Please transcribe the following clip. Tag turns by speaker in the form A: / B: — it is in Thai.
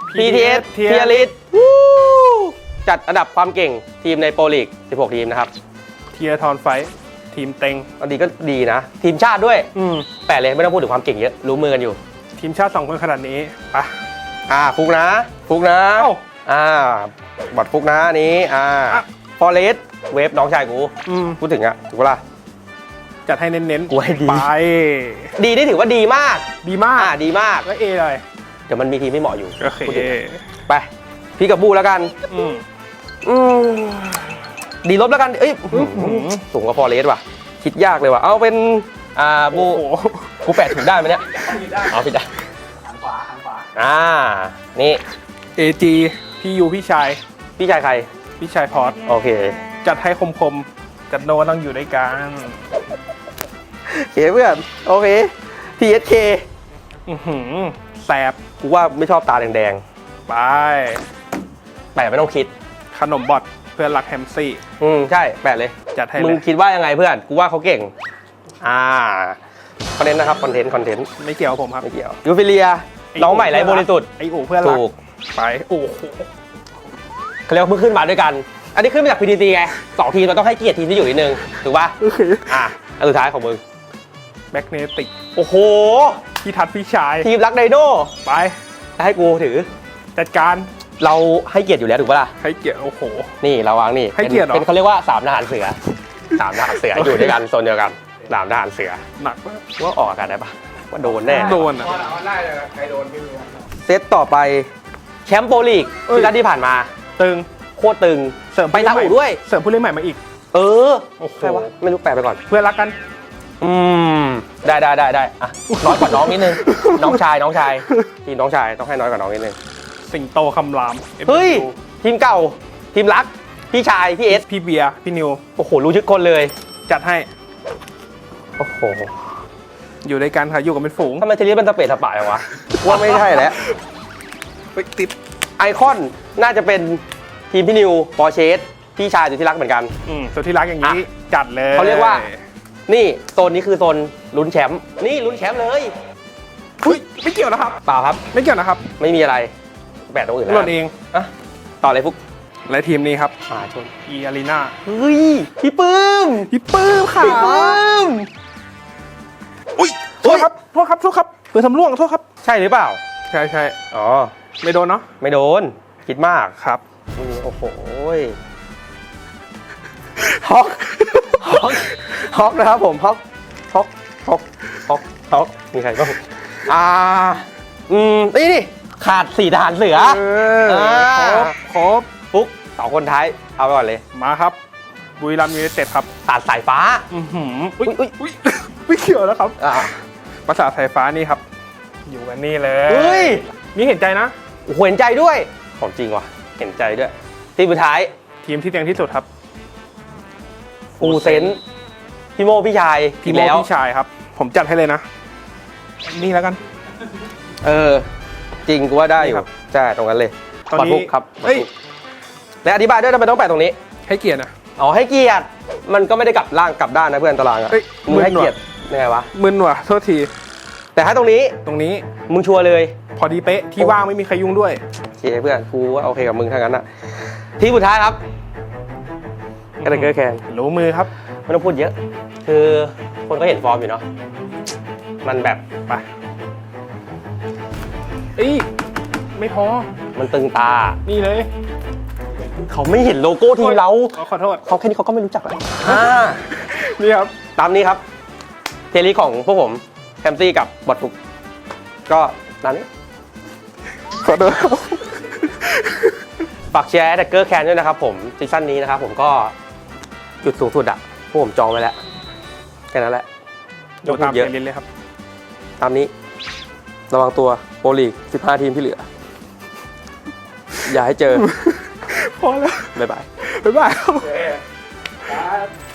A: PTS เทียริสจัดอันดับความเก่งทีมในโปรลีก16 ทีมนะครับ
B: เทียทอนไฟทีมเต็ง
A: อันนี้ก็ดีนะ ทีมชาติด้วยแปะเลยไม่ต้องพูดถึงความเก่งเยอะรู้มือกันอยู่
B: ทีมชาติ2 คนขนาดนี้ไป
A: ฟุกนะบอดฟุกนะนี้ฟอเรสเวฟน้องชายกูพูดถึงอะถูกปะล่ะ
B: จัดให้เน้น
A: ๆกูให้ดี
B: ไป
A: ดีนี่ถือว่าดีมาก
B: ดีมาก
A: ก็
B: เอเลย
A: เดี๋ยวมันมีทีมไม่เหมาะอยู่
B: โอเค
A: ไปพี่กับบูแล้วกันดีลบแล้วกันเอ้ยสูงกว่าฟอเรสว่ะคิดยากเลยว่ะเอาเป็นบูกูแปะถูกได้ไหมเนี่ยเอาผิดได้
C: หันขวา
A: นี่
B: AG พี่ยูพี่ชาย
A: ใคร
B: พี่ชายพอร์ต
A: โอเค
B: จัดให้คมกับโนต้องอยู่ด้วยกัน
A: เพื่อนโอเค TSK
B: แสบ
A: กูว่าไม่ชอบตาแดง
B: ๆไป
A: แปะไม่ต้องคิด
B: ขนมบอทเพื่อนรักแฮมซี่
A: ใช่แปะเลย
B: จัดให้
A: มึงคิดว่ายังไงเพื่อนกูว่าเขาเก่งคอนเทนต์นะครับคอนเทนต์
B: ไม่เกี่ยวผมครับ
A: ไม่เกี่ยวยูฟิเลียน้องใหม่ไร้บริสุทธิ์
B: ไออูเพื่อนรักไปโอ้โห
A: เขาเรียกว่าเพิ่งขึ้นมาด้วยกันอันนี้ขึ้นมาจาก PTT ไง2 ทีมเราต้องให้เกียรติทีมที่อยู่นิดนึงถูกป่ะอันสุดท้ายของมึง
B: แบ็กเนติก
A: โอ้โห
B: พี่ทัดพี่ชาย
A: ทีมรักไดโน่
B: ไป
A: ให้กูถือ
B: จัดการ
A: เราให้เกียรติอยู่แล้วถูกป่ะล่ะ
B: ให้เกียรติโอ้โห
A: นี่เราวางนี่
B: ให้เกียรติ
A: เป็นเขาเรียกว่า3 ทหารเสือ3 ทหารเสืออยู่ด้วยกันโซนเดียวกัน3 ทหารเสือ
B: หนักมาก
A: ว่าออกกันได้ปะว่าโดนแน่
B: โดน
C: ได้เลยใครโดนไม่รู้
A: เซตต่อไปแชมป์โปรลีกที่ผ่านมา
B: ตึง
A: โคตรตึง
B: เสริม
A: ไปซาอุด้วย
B: เสริมผู้เล่นใหม่มาอีก
A: โอ้โหไม่รู้แปลไปก่อน
B: เพื่อนรักกัน
A: ได้น้อยกว่าน้องนิดนึงน้องชายทีมน้องชายต้องให้น้อยกว่าน้องนิดนึง
B: สิงโตคำราม
A: เฮ้ยทีมเก่าทีมรักพี่ชายพี่เอส
B: พี่เบียร์พี่นิว
A: โอ้โหรู้ชื่อคนเลย
B: จัดให้
A: โอ้โห
B: อยู่ในการค่ะอยู่กับเป็นฝูง
A: ทำไมเทเลมันสเปซสปะอย่างวะว่าไม่ใช่แล้ว
B: ติด
A: ไอคอนน่าจะเป็นทีมพี่นิวปอร์เชสพี่ชายสุดที่รักเหมือนกัน
B: สุดที่รักอย่างนี้จัดเลย
A: เขาเรียกว่านี่โซนนี้คือโซนลุ้นแชมป์นี่ลุ้นแชมป์เลย
B: ไม่เกี่ยวนะครับ
A: เปล่าครับ
B: ไม่เกี่ยวนะครับ
A: ไม่มีอะไรแบตตรงอื่นแล้ว
B: หล่นเอง
A: ต่อเลยฟุก
B: และทีมนี้ครับ
A: ชน
B: อารีนา
A: เฮ้ยพี่ปื้ม
B: ค่ะ
A: พี่ปื้ม
B: อุ้ยโทษครับเผื่อทำร่วงโทษครับ
A: ใช่หรือเปล่า
B: ใช่
A: อ๋อ
B: ไม่โดนเนาะ
A: ไม่โดนคิดมาก
B: ครับ
A: โอ้โหฮอกนะครับผมฮอกมีใครบ้างนี่ขาด4 ทหารเสือ
B: ครบ
A: ฟุก2 คนท้ายเอาไปก่อนเลย
B: มาครับบุรีรัมย์ยูไนเต็ดครับ
A: ตัดสายฟ้า
B: อุ้ยไม่เกี่ยวแล้วครับภาษาสายฟ้านี่ครับอยู่กันนี่เลยนี่เห็นใจนะ
A: เห็นใจด้วยของจริงว่ะเห็นใจด้วยทีมสุดท้าย
B: ทีมที่เต็งที่สุดครับ
A: ฟูเซนพี่โมพี่ชาย
B: พี่ชายครับผมจัดให้เลยนะนี่แล้วกัน
A: จริงกูว่าได้อยู่ใช่ตรงนั้นเลย
B: ตอนนี้
A: ครับและอธิบายด้วยทำไมต้องแปะตรงนี้
B: ให้เกียรตินะ
A: ให้เกียรติมันก็ไม่ได้กลับล่างกลับด้านนะเพื่อนตารางอะมึงให้เกียรติยังไงวะ
B: มึนว่ะโทษที
A: แต่ถ้าตรงนี้มึงชัวร์เลย
B: พอดีเป๊ะที่ว่างไม่มีใครยุ่งด้วย
A: โอเคเพื่อนกูว่าโอเคกับมึงทั้งนั้นอะทีสุดท้ายครับกระเดกเกอร์แคน
B: รู้มือครับ
A: ไม่ต้องพูดเยอะคือคนก็เห็นฟอร์มอยู่เนาะมันแบบ
B: ไปไม่พอ
A: มันตึงตา
B: นี่เลย
A: เขาไม่เห็นโลโก้ทีมเรา
B: ขอโทษ
A: เขาแค่นี้เขาก็ไม่รู้จักแล้ว
B: นี่ครับ
A: ตามนี้ครับเทลีของพวกผมแฮมซี่กับบอทฟุกก็ตามนี้
B: ขอโทษ
A: ฝากแชร์แดกเกอร์แคนด้วยนะครับผมซีซั่นนี้นะครับผมก็จุดสูงสุดอะพวกผมจองไว้แล้วแค่นั้นแหละ
B: ยกตามเยอะเลยครับ
A: ตามนี้ระวังตัวโปรลีก15 ทีมที่เหลืออย่าให้เจอ
B: พอแล้ว
A: บ๊ายบาย